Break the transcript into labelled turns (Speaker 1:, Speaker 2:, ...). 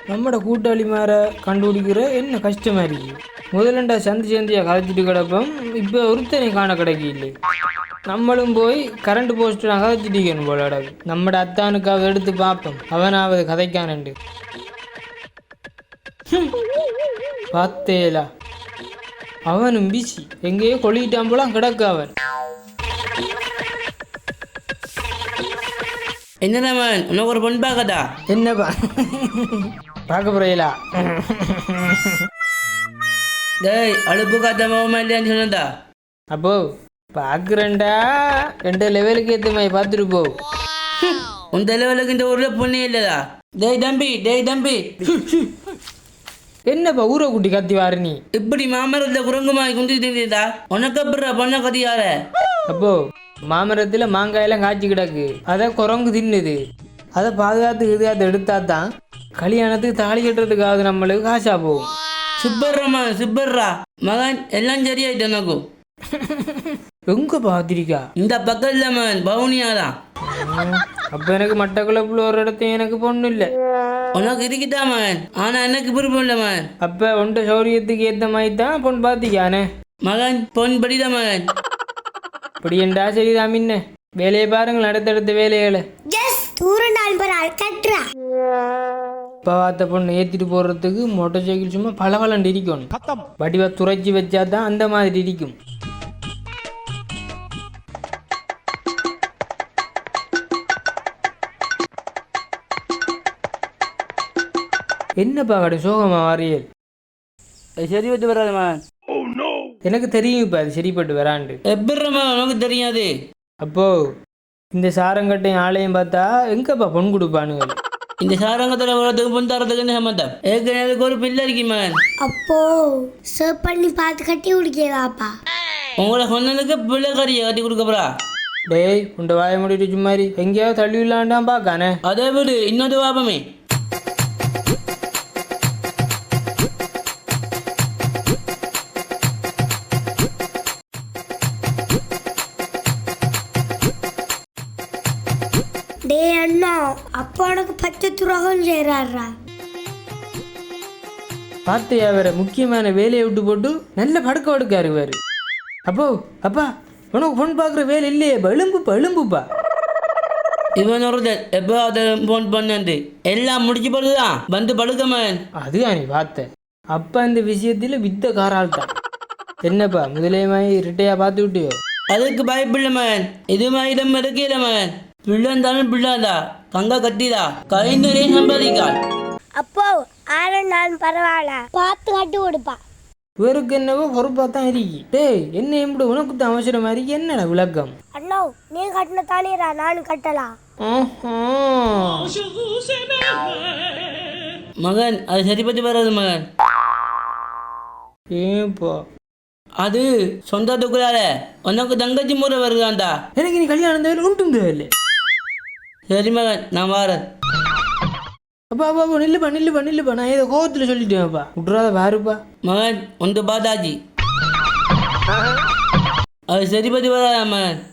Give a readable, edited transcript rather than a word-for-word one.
Speaker 1: நம்மட கூட்டாளி மாற கண்டுபிடிக்கிற என்ன கஷ்டமா இருக்கு. முதலண்டா சந்தியா கதைச்சிட்டு கிடப்போம். இப்போ ஒருத்தனை காண கிடைக்கல. நம்மளும் போய் கரண்ட் போஸ்ட் கதைச்சிட்டிக்கணும் போல. நம்மட அத்தானுக்காக எடுத்து பார்ப்போம், அவனாவது கதைக்கானண்டு. பார்த்தேலா, அவனும் பிசி எங்கேயோ கொள்ளிட்டான் போலாம் கிடக்கு அவன்.
Speaker 2: என்னதான் உனக்கு ஒரு பொண்ணு பார்க்கதா?
Speaker 1: என்னப்பா பார்க்க போறீங்களா?
Speaker 2: டேய் அழுப்பு காத்த மாமா இல்லையான்னு சொன்னதா?
Speaker 1: அப்போ பார்க்குறேன்டா, 2 லெவலுக்கு ஏற்ற மாதிரி பார்த்துட்டு போ.
Speaker 2: உன் லெவலுக்கு இந்த ஊரில் பொண்ணே இல்லைதா? டேய் தம்பி
Speaker 1: என்னப்பா ஊரை குட்டி கத்தி வாரு நீ?
Speaker 2: இப்படி மாமரத்தில் குரங்குமாய் குந்திட்டு இருந்ததா? உனக்கு அப்புறம் பொண்ணை கத்தியார?
Speaker 1: அப்போ மாமரத்தில் மாங்காயெல்லாம் காய்ச்சி கிடக்கு, அதை குரங்கு தின்னுது. அதை பாதுகாத்து எடுத்தா தான் கல்யாணத்துக்கு தாலி கட்டுறதுக்காக நம்மளுக்கு காசா போகும்.
Speaker 2: சுப்பர்ரா மகன் எல்லாம் சரியாயிட்டு எனக்கு.
Speaker 1: எங்க பாத்திரிக்கா?
Speaker 2: இந்த பக்கத்துல மகன் பவுனியாதான்.
Speaker 1: அப்ப எனக்கு மட்டக்குழப்புல ஒரு இடத்தையும் எனக்கு பொண்ணு இல்லை.
Speaker 2: உனக்கு இருக்குதா மகன்? ஆனா எனக்கு விருப்பம் இல்லை மகன்.
Speaker 1: அப்ப உண்ட சௌரியத்துக்கு ஏத்த மாதிரி தான் பொண்ணு பாத்திக்கானே
Speaker 2: மகன். பொன் படித மகன்.
Speaker 1: படியண்டா சரிதான். முன்ன வேலையை பாருங்கள், அடுத்தடுத்த வேலைகளை. பார்த்த பொண்ணு ஏற்றிட்டு போடுறதுக்கு மோட்டர் சைக்கிள் சும்மா பளபளன்னு இருக்கணும். வடிவா துறைச்சி வச்சா தான் அந்த மாதிரி இருக்கும். என்னப்பா கடை சோகமா வாரியல்?
Speaker 2: சரி பட்டு வராது மகன்.
Speaker 1: எனக்கு தெரியும் இப்போ அது சரிப்பட்டு வராண்டு.
Speaker 2: எப்படி உனக்கு தெரியாது?
Speaker 1: அப்போ இந்த சாரங்கட்டையும் ஆளையும் பார்த்தா எங்கப்பா பொன் கொடுப்பானுங்க?
Speaker 2: இந்த சாரங்கத்தில் வர்றதுக்கு பொன் தரத்துக்கு என்ன சம்மந்தம்? ஏற்கனவே ஒரு பிள்ளை இருக்கி மகன்.
Speaker 3: அப்போ சர்வ் பண்ணி பார்த்து கட்டி குடிக்கலாப்பா.
Speaker 2: உங்களை சொன்னதுக்கு பிள்ளை கறியை கட்டி கொடுக்கப்படா.
Speaker 1: டேய் உண்ட வாய முடிட்டு சும்மாரி எங்கேயாவது தள்ளி விடலான்டான் பார்க்கானே.
Speaker 2: அதே விடு, இன்னொரு வாபமே.
Speaker 3: டே அண்ணா, அப்பா உனக்கு பச்சை துரோகம் செய்யறாரா?
Speaker 1: பார்த்தையா வேற முக்கியமான வேலையை விட்டு போட்டு நல்ல படுக்காரு வேறு. அப்போ அப்பா உனக்கு பொண்ணு பார்க்குற வேலை இல்லையே, எலும்புப்பா.
Speaker 2: இவன் ஒருத்தர் எப்போ அதை போன் பண்ணு எல்லாம் முடிச்சு போடுதான் வந்து படுக்கமன்.
Speaker 1: அதுதான் நீ பார்த்த. அப்பா இந்த விஷயத்தில் வித்த காரால் தான். என்னப்பா முதலே மாதிரி ரிட்டையா பார்த்து விட்டியோ?
Speaker 2: அதுக்கு பயப்பில்லை மகன். இது மாதிரி இருக்கல மகன். பிள்ளை இருந்தாலும் பிள்ளாதா, தங்க கட்டிதா, கை நிறைய சம்பாதிக்காள்.
Speaker 3: அப்போ நான் பரவாயில்ல, பார்த்து கட்டி கொடுப்பா.
Speaker 1: இவருக்கு என்னவோ பொறுப்பா தான் இருக்கு. டேய் என்ன எப்படி உனக்கு தான் அவசரம் மாதிரி என்னடா விளக்கம்?
Speaker 3: அண்ணா நீ கட்டின தானேரா நானும் கட்டலாம்.
Speaker 2: மகன் அது சரிப்பட்டு வராது மகன்.
Speaker 1: ஏப்பா
Speaker 2: அது சொந்தத்துக்குள்ளார உனக்கு தங்கச்சி முறை வருதாண்டா.
Speaker 1: எனக்கு நீ கல்யாணம் தேவை உண்டும் தேவையில்லை.
Speaker 2: சரி மகன் நான் வாரேன்.
Speaker 1: அப்பா நில்லுப்பா நான் ஏதோ கோவத்தில் சொல்லிட்டேன்ப்பா. விட்றாத பாருப்பா
Speaker 2: மகன் ஒன்று பாதாஜி அது சரிப்பட்டு வராதா மகன்.